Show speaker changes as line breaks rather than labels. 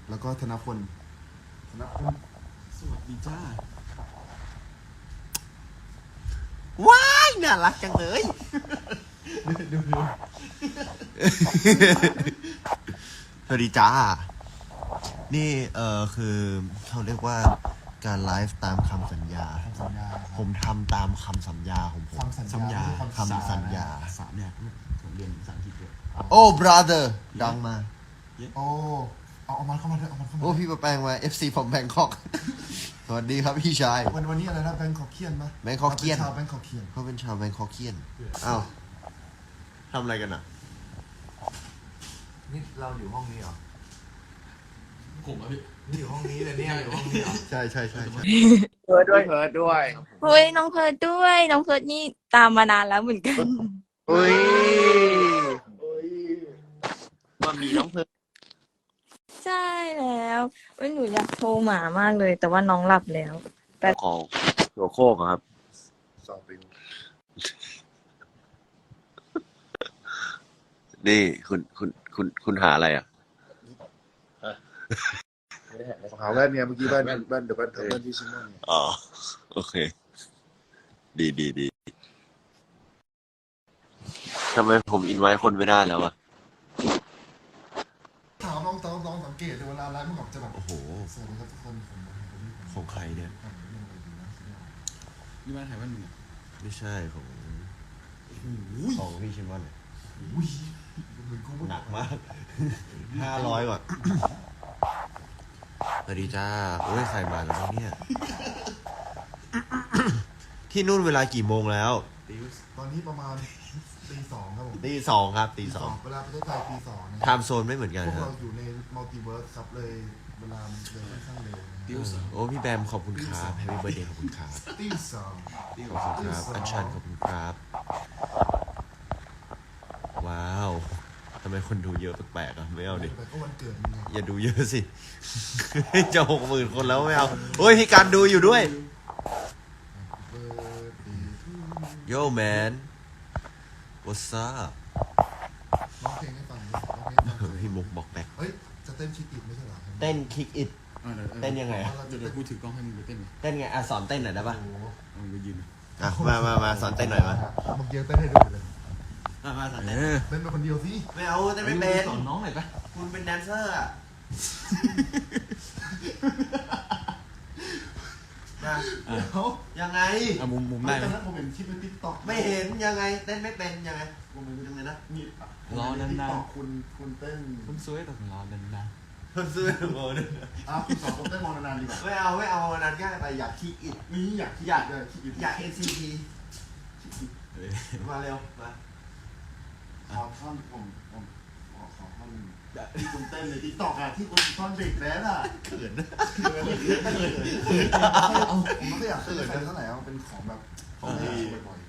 แล้วก็ธนพล
สวัสดีจ้า
ว้ายน่ารักจังเลย
ดู
สวัสดีจ้านี่คือเขาเรียกว่าการไลฟ์ตามคำสัญญาผมทำตามคำสัญญาของผม
คำสัญญา
คำสัญญา
3เนี่ยผมเรียนภาษาอังกฤษด้วย
โอ้ brother ดังมา
โอ้เอามันเข้ามาเถอะเอามันเข้ามา
โอ้พี่ประแปลงมา FC ผมแบงคอกสวัสดีครับพี่ชาย
วันนี้อะไรนะแบงคอกเคียนปะ
แบงคอกเคียน
ชาวแบงคอกเคียน
เขาเป็นชาวแบงคอกเคียนอ้าวทำอะไรกันอ่ะ
นี่เราอยู่ห้องนี้เหรอ
ผมอะพี่
นี่อยู่ห้องนี้เลยเนี่ยอยู่ห้องนี้เหรอ
ใช่
เพิร์ดด้วย
เฮ้ยน้องเพิร์ดด้วยน้องเพิร์ดนี่ตามมานานแล้วเหมือนกัน
อุ้ย
มามีน้องเพิร์ด
ใช่แล้วหนูอยากโทรหมามากเลย แต่ว่าน้องหลับแล้วแต่
ของหัวโคกครับนี่คุณหาอะไรอ่ะ
หาแว่นเนี่ยเมื่อกี้แว่นเดี๋ยวแว่นที่ชิมอน
อ๋อโอเคดีทำไมผมอินไว้คนไม่ได้แล้วอ่ะ
ถามลองสังเกตดูเวลาไลฟ์มันออกจะแบบ
โอ้โห
สวัสดีครับทุกคน
ของใครเนี่ย
นี่บ้านถ่ายบ้านมึง
ไม่ใช่ของพี่ชิมอนเนี่ยหนักมาก500 ก่อนสวัสดีจ้าโอ้ยใครมาแล้วเนี่ยที่นู่นเวลากี่โมงแล้ว
ตอนนี้ประมาณตี 2ครับผม
ตี 2ครับตี 2
เวลาประเทศไทยตี 2นะ
ไทม์โซนไม่เหมือนกัน
พวก
ครับ
เราอยู่ในมัลติเวิร์สครับเลยเวลาเลยค่อนข้างเร็ว
โอ้พี่แบมขอบคุณครับแฮปปี้เบิร์ดเดย์ขอบคุณครับ
ตี 2
ขอบคุณครับอัญชันขอบคุณครับว้าวทำไมคนดูเยอะแปลกๆอ่ะไม่เอาดิ
ก็วันเกิดมึง
อย่าดูเยอะสิจะ60,000 คนแล้วไม่เอาโอ้ยพี่การดูอยู่ด้วยโย่แมน what's up
ร้องเพลงให้ฟัง
พี่มุกบอกแบก
เฮ้ยจะเต้นคิกอิทไม่ใช่เหรอ
เต้นคิกอิทเต้นยังไงอ่ะ
เดี๋ยวพูดถึงกล้องให้มึงไปเต้น
เต้นไงอ่ะสอนเต้นหน่อยได้ป่ะ
มึงไปยืน
อ่ะมาสอนเต้นหน่อยมา
เมื่อกี้เต้นให้ดูเลย
มาสอนเต้น
เต้นเป็นคนเดียวสิ
ไม่เอาเต้นไม่เป็น
สอนน้องหน่อยปะ
คุณเป็นแดนเซอร์อ่ะ
เขา
ยังไง
มุมได้ไหม
ผมเห็นคลิปในติ๊กต็อก
ไม่เห็นยังไงเต้นไม่เป็นยังไงผมเป็นยังไงนะ
นี่
รอนาน
ๆคุณเต้น
คุณสวยแต่รอนาน
คุณสวยโมน
คุณสอนผมเต้นมอนานๆดีกว่า
ไม่เอานานง่ายไปอยากคิกอิท
นี่อยาก
NCT มาเร็วมา
ขอท่อนผมขอท่อนที่คุณเต้นในติ๊กต็อกที่คุณท่อนเบรกแดน
เขิน
ผมไม่อยากเต้นใครเท่าไหร่มันเป็นของแบบของดีบ่อย